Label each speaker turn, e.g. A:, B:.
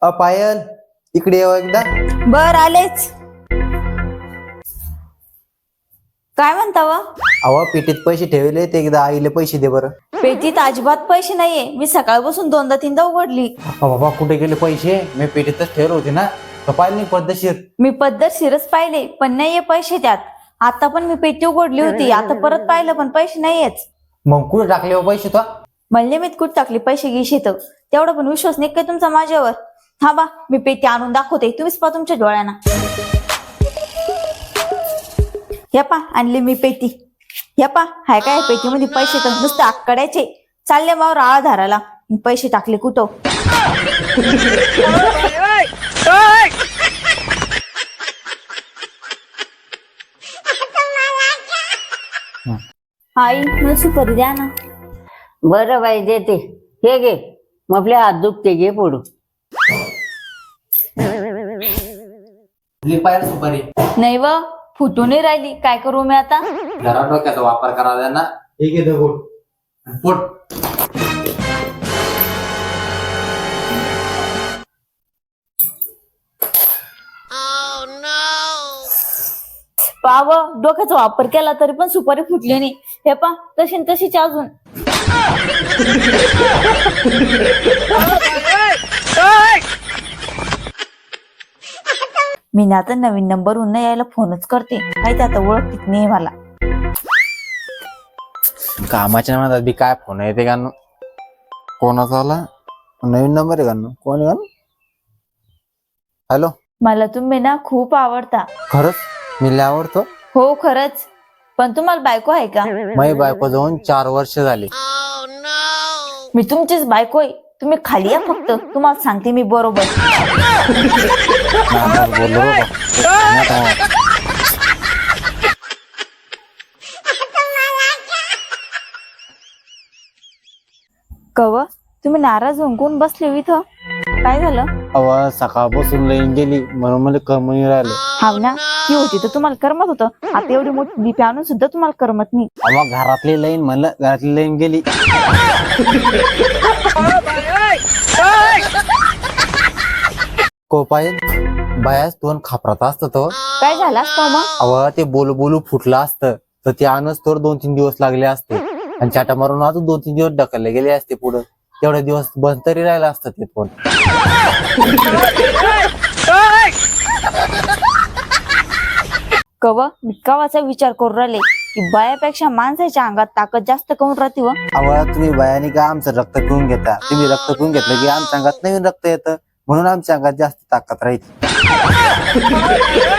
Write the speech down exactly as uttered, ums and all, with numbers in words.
A: अ पायल, इकडे येऊ एकदा.
B: बर आलेच. काय म्हणता व?
A: अहो पेटीत पैसे ठेवले ते एकदा आईले पैसे दे बरं.
B: पेटीत अजिबात पैसे नाहीये. मी सकाळपासून दोनदा तीनदा उघडली.
A: अ बाबा कुठे गेले पैसे? मी पेटीतच ठेवले होते ना. तर पाहिलं नाही पद्धतशीर.
B: मी पद्धतशीरच पाहिले पण नाहीये पैसे त्यात. आता पण मी पेटी उघडली होती, आता परत पाहिलं पण पैसे नाहीयेच.
A: मग कुठे टाकले हो पैसे तो?
B: म्हणले मी कुठे टाकले पैसे गिशे तर तेवढा पण विश्वास नाही काय तुमचा माझ्यावर? थांबा मी पेटी आणून दाखवते, तुम्हीच पहा तुमच्या डोळ्यांना. या पा आणली मी पेटी. या पा हाय काय पेटीमध्ये पैसे तर नुसते आकड्याचे. चालले मावर आळा धाराला. पैसे टाकले कुठं? आई मला सुपारी द्या ना.
C: बरं बाई देते. हे घे, मग आपले हात दुखते, घे फोडू.
A: पायल सुपारी
B: नाही व फुटून नाही राहिली, काय करू मी आता?
A: घरात डोक्याचा वापर करावा ना. एक आहे दगड पोट.
B: पाव डोक्याचा वापर केला तरी पण सुपारी फुटली नाही. हे पा तशी न तशीच अजून. मी ना आता नवीन नंबर न यायला फोनच करते. माहिती आता ओळखत नाही मला.
A: कामाच्या नादात बी काय फोन येते का? कोणाचा आला? नवीन नंबर आहे का? कोण आहे? हॅलो.
B: मला तुम्ही ना खूप आवडता.
A: खरंच मी लय आवडतो.
B: हो खरंच. पण तुम्हाला बायको आहे का?
A: माझी बायको जाऊन चार वर्ष झाली.
B: मी तुमचीच बायको आहे. तुम्ही खाली या फक्त, तुम्हाला सांगते मी बरोबर.
A: बोललो बाबा.
B: कव तुम्ही नाराज होऊन कोण बसले इथं? काय झालं?
A: अवा सकाळपासून लाईन गेली म्हणून मला कमी राहिलं.
B: हाव ना, ती होती तर तुम्हाला करमत होतं. आता एवढी मोठी बीपी आणून सुद्धा तुम्हाला करमत नाही.
A: अवा घरातली लाईन म्हणलं, घरातली लाईन गेली. कोपायल बायाच दोन खापरात असत तो.
B: काय झालं असतं मग?
A: अवा ते बोलू बोलू फुटलं असतं तर ते आणच तर दोन तीन दिवस लागले असते. आणि चाटा मारून अजून दोन तीन दिवस ढकलले गेले असते पुढं. तेवढे दिवस बंद तरी राहिला असतं ते फोन.
B: कव मी कवाचा विचार करून राहिले की बायापेक्षा माणसाच्या अंगात ताकद जास्त करून राहते. व
A: अवा तुम्ही बायाने का आमचं रक्त पिऊन घेता? तुम्ही रक्त पिऊन घेतलं की आमच्या अंगात नवीन रक्त येतं म्हणून आमच्या अंगात जास्त ताकद राहील.